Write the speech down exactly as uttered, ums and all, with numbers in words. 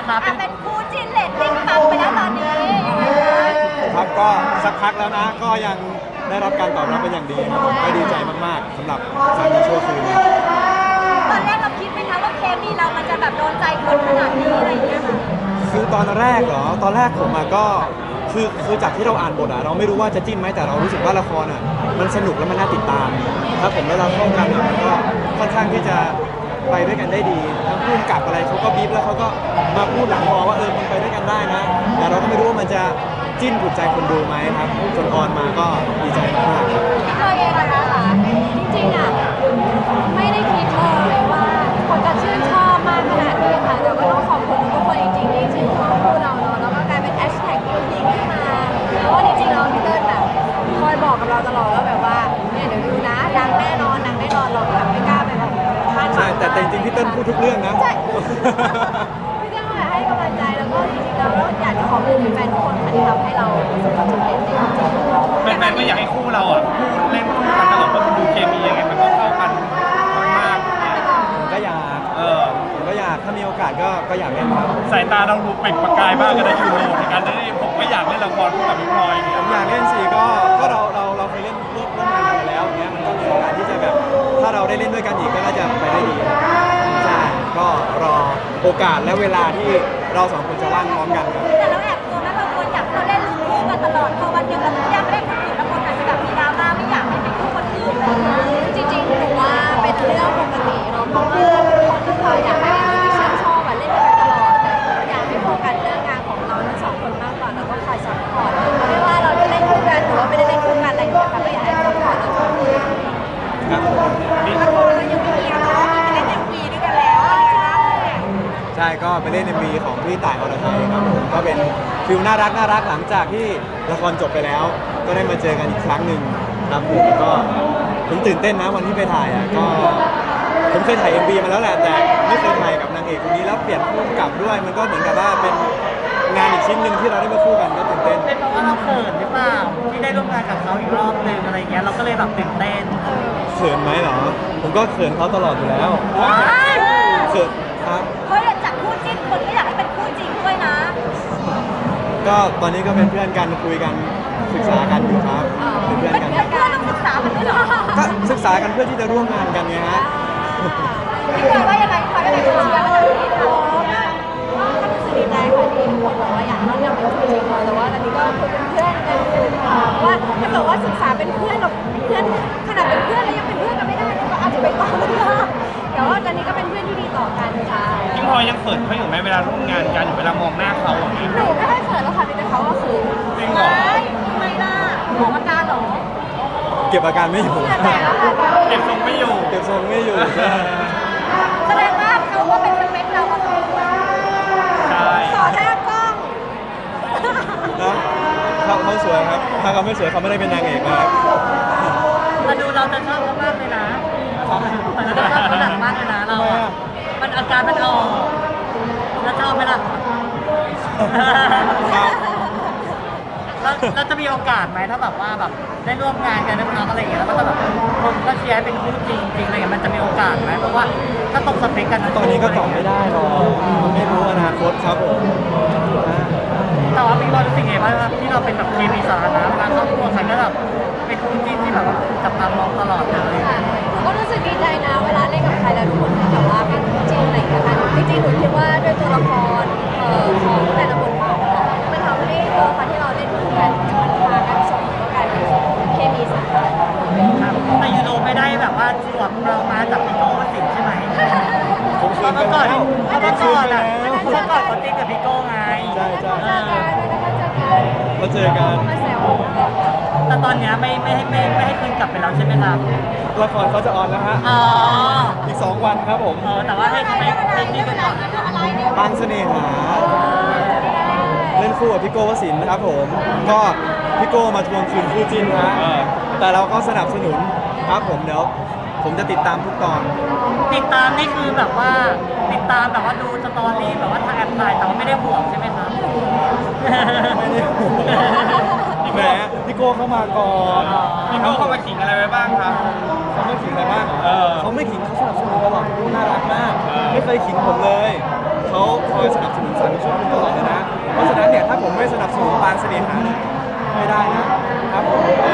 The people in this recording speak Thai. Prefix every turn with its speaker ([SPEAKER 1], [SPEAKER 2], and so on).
[SPEAKER 1] คะเป็น
[SPEAKER 2] เป็นคู่จิ้นเลตติ้งปังไปแล้วตอนนี้
[SPEAKER 3] ครับก็สักพักแล้วนะก็ยังได้รับการตอบรับเป็นอย่างดีครับผมก็ดีใจมากๆสำหรับสามีชั่วคืน
[SPEAKER 2] ตอนแรกเราคิดไหมคะว่าเคมีเรามันจะแบบโดนใจคนขนาดนี้อะไรอย่างเงี้ยค่ะ
[SPEAKER 3] คือตอนแรกเหรอตอนแรกผมอะก็คือคือจากที่เราอ่านบทอะเราไม่รู้ว่าจะจิ้นไหมแต่เรารู้สึกว่าละครอะมันสนุกและมันน่าติดตามถ้าผมและเราเข้ากันอะมันก็ค่อนข้างที่จะไปด้วยกันได้ดีทั้งพูดกับอะไรเขาก็บีบแล้วเขาก็มาพูดหลังมอว่าเออมันไปด้วยกันได้นะแต่เราก็ไม่รู้ว่ามันจะจิ้นถูกใจคนดูไหมครับจนออนมาก็ดีใจมากครับ
[SPEAKER 2] พี่เคยเองนะคะจริงๆอ่ะไม่ได้คิดเลยว่าคนจะชื่นชอบมากขนาดนี้ค่ะแต่ก็ต้องขอบคุณทุกคนจริงๆที่ชื่นชอบคู่เราเนาะแล้วก็กลายเป็นแฮชแท็กที่ยิงขึ้นมาเพราะว่าจริงๆเราพี่เติ้ลแบบคอยบอกกับเราตลอดว่าแบบว่าเนี่ยเดี๋ยวดูนะดังแน่นอนดังแน่นอนเราแบบไม่กล้าไปแบบคาดหวัง
[SPEAKER 3] ใช่แต่จริงๆพี่เติ้ลพูดทุกเรื่องนะ
[SPEAKER 2] ใช่พี่เติ้ลให้กำลังใจแล้วก็จริงๆเราอยากจะขอบคุณแฟนทุกคนค่ะที่ทำให้เราประสบความสำเร็จในจริงๆ
[SPEAKER 1] แฟนๆก็อยากให้คู่เราอ่ะคู่เล่นคู่กันตลอดว่ามันดูเคมียังไงมันก็เข้ากันมาก
[SPEAKER 3] ก็อยากเออผมก็อยากถ้ามีโอกาสก็ก็อยากเล่นครับ
[SPEAKER 1] สายตาเราดูเปล่งประกายมากกันนะยูโรในการได้ผมก็อยากเล่นละครคู่กับพี่พลอยเนี่ย
[SPEAKER 3] ผมอยากเล่นสิก็ก็เราเราเราเคยเล่นร่วมร่วมงานกันมาแล้วอย่างเงี้ยมันก็มีโอกาสที่จะแบบถ้าเราได้เล่นด้วยกันอีกก็น่าจะไปได้ดีใช่ก็รอโอกาสและเวลาที่เราสองคนจะว่างพร้อมกันครับ
[SPEAKER 2] แต่เราแอบกลัวไหมบางคนอยากเราเล่นคู่กันตลอดพอวันหนึ่งเราไม่อยากเล่นคนอื่นแล้วคนอาจจะแบบมีดราม่าไม่อยากให้เป็นคู่คนอื่นจริงๆหนูว่าเป็นเรื่องปกติเนาะเพราะว่าคนที่เขาอยากให้คนที่ชื่นชอบเล่นกันตลอดแต่อยากให้โฟกัสเรื่องงานของเราทั้งสองคนมากกว่าแล้วก็คอยซัพพอร์ตไม่ว่าเราจะเล่นคู่กันหรือว่าไม่ได้เล่นคู่กันอะไรอย่างเงี้ยค่ะก็อยากให้ซัพพอร์ตเราทุกคน
[SPEAKER 3] ครับ
[SPEAKER 2] มีคนเรายังไม่มีเนาะมีเล่นเอ็มวีด้วยกันแล้ว
[SPEAKER 3] ใช่ก็ไปเล่น เอ็ม วี ของพี่ต่ายอรไทยครับผมก็เป็นฟิลน่ารักน่ารักหลังจากที่ละครจบไปแล้ว ก็ได้มาเจอกันอีกครั้งหนึ่งครับผมก็ผมตื่นเต้นนะวันที่ไปถ่ายอ่ะก็ผมเคยถ่าย เอ็ม วี มาแล้วแหละแต่ไม่เคยถ่ายกับนางเอกคนนี้แล้วเปลี่ยนผู้กำกับด้วยมันก็เหมือนกับว่าเป็นงานอีกชิ้นหนึ่งที่เราได้มาคู่กันก็ตื่นเต้น
[SPEAKER 1] เป็นเพราะว่าเราเขินหรือเปล่าที่ได้ร่วมงานกับเขาอีกรอบนึงอะไรเงี้ยเราก็เลยแบบตื่นเต้น
[SPEAKER 3] เขินไหมเหรอผมก็เขินเขาตลอดอยู่แล้วเขินครับ
[SPEAKER 2] เฮ้ยจากคู่จิ้นคนก็อยากให้เป็นคู่จริงด้วยนะ
[SPEAKER 3] ก็ตอนนี้ก็เป็นเพื่อนกันคุยกันศึกษากันอยู่ครับเป็นเพื่อนกัน
[SPEAKER 2] เพื่อนกันต้องศึกษากันด้วยเหรอ
[SPEAKER 3] ก็ศึกษากันเพื่อที่จะร่วมงานกันไงฮะ
[SPEAKER 2] พี่เคยว่ายังไงคะเป็นคนเชียร์ว่าจะมีทองก็รู้สึกดีใจค่ะที่ทุกคนบอกว่าอยากให้เราเป็นคู่จริงแต่ว่าตอนนี้ก็คุยเป็นเพื่อนกันอยู่ว่าถ้าเกิดว่าศึกษาเป็นเพื่อนกับเพื่อนขนาดเป็นเพื่อนแล้วยังเป็นเพื่อนกันไม่ได้ก็อาจจะไปต่อไม่ได้แต่ว่าตอนนี้ก็เป็นเพื่อนที่ดีต่อกันค่ะ
[SPEAKER 1] พี่พลอยยังเขินเขาอยู่ไหมเวลาร่วมงานกันอยู่เวลามองหน้าเขาอย่างนี้
[SPEAKER 2] หนูไม่ค่อยเขินแล้วค่ะมีแต่เขาก็คือ
[SPEAKER 1] จริงเหรอ
[SPEAKER 2] ไม่ล่ะหมออาการหรอ
[SPEAKER 3] เก็บอาการไม่อยู่
[SPEAKER 1] เก็บทรงไม่อยู่
[SPEAKER 3] เก็บทรงไม่อยู่
[SPEAKER 2] แสดงว่าเขาก็เป็นสเปคเราพอสมควร
[SPEAKER 1] ใช่
[SPEAKER 2] ต่อหน้ากล้อง
[SPEAKER 3] นะเขาเขาสวยครับถ้าเขาไม่สวยเขาไม่ได้เป็นนางเอกนะครับ
[SPEAKER 1] มาดูเราจะชอบเขามากเลยนะมันจะชอบเขาหนักมากเลยนะเรามันอาการมันออกแล้วชอบไหมล่ะเราจะมีโอกาสไหมถ้าแบบว่าแบบได้ร่วมงานกันน้องอะไรอย่างเงี้ยแล้วก็แบบคนก็เชียร์เป็นคู่จริงจริงอะไรอย่างเงี้ยมันจะมีโอกาสไหมเพราะว่าถ้าตกสเปคกัน
[SPEAKER 3] ตอนนี้ก็ตอบไม่ได้หรอกมันไม่รู้อนาคตครับผม
[SPEAKER 1] แต่ว่าพี่บอลรู้สึกไงบ้างที่เราเป็นแบบเคมีสาธารณะเวลาครอบครัวใครก็แบบเป็นคู่จริงที่แบบจับตามองตลอดเลย
[SPEAKER 2] หนูก็รู้สึกดีใจนะเวลาเล่นกับใครแล้วทุกคนแบบว่าเป็นคู่จริงอะไรอย่างเงี้ยค่ะจริงๆหนูคิดว่าด้วยตัวละครของแต่ละบทบาทมันทำให้ตัวละครที่เราเล่นคู่กันมันพากันส่งแล้วกันเคมีสาธารณะ
[SPEAKER 1] แต่ยูโรไม่ได้แบบว่าสวมเรามาจากพี่โก้วสินใช่ไหม
[SPEAKER 3] ผมคืนไป
[SPEAKER 1] แล้วเขาเมื่อก่อนอ่ะเมื่อก่อนเขาติ๊กกับพี่โก้ไง
[SPEAKER 3] ใช่ใช่
[SPEAKER 2] มาเจอกันมาแซว
[SPEAKER 1] แต่ตอนนี้ไม่ไม่ให้ไม่ไม่ให้คืนกลับไปแล้วใช่ไหมครับ
[SPEAKER 3] ละครเขาจะออนแล้วฮะ
[SPEAKER 1] อ๋อ
[SPEAKER 3] อีกสองวันครับผม
[SPEAKER 1] เออแต่ว่าให้เขาไปให้ที่กันก่อน
[SPEAKER 3] บางเสน่หาเล่นคู่กับพี่โก้วสินนะครับผมก็พี่โก้มาทวงคืนคู่จิ้นฮะแต่เราก็สนับสนุนครับผมเดี๋ยวผมจะติดตามทุกตอน
[SPEAKER 1] ติดตามนี่คือแบบว่าติดตามแบบว่าดูสตอรี่แบบว่าทางแอปถ่ายแต่ว่าไม่ได้ห่วงใช่ไหมครับ
[SPEAKER 3] ไม่ได้ห่วงแหมพี่โก้เข้ามาก่อน
[SPEAKER 1] พี่โก้เข้ามาขิงอะไรไว้บ้างครับ
[SPEAKER 3] เขาไม่ขิงอะไรบ้างเหรอเขาไม่ขิงเขาสนับสนุนตลอดพี่โก้น่ารักมากไม่เคยขิงผมเลยเขาคอยสนับสนุนสรรค์ชุดตลอดเลยนะเพราะฉะนั้นเนี่ยถ้าผมไม่สนับสนุนปานเสน่หาเนี่ยไม่ได้นะครับผม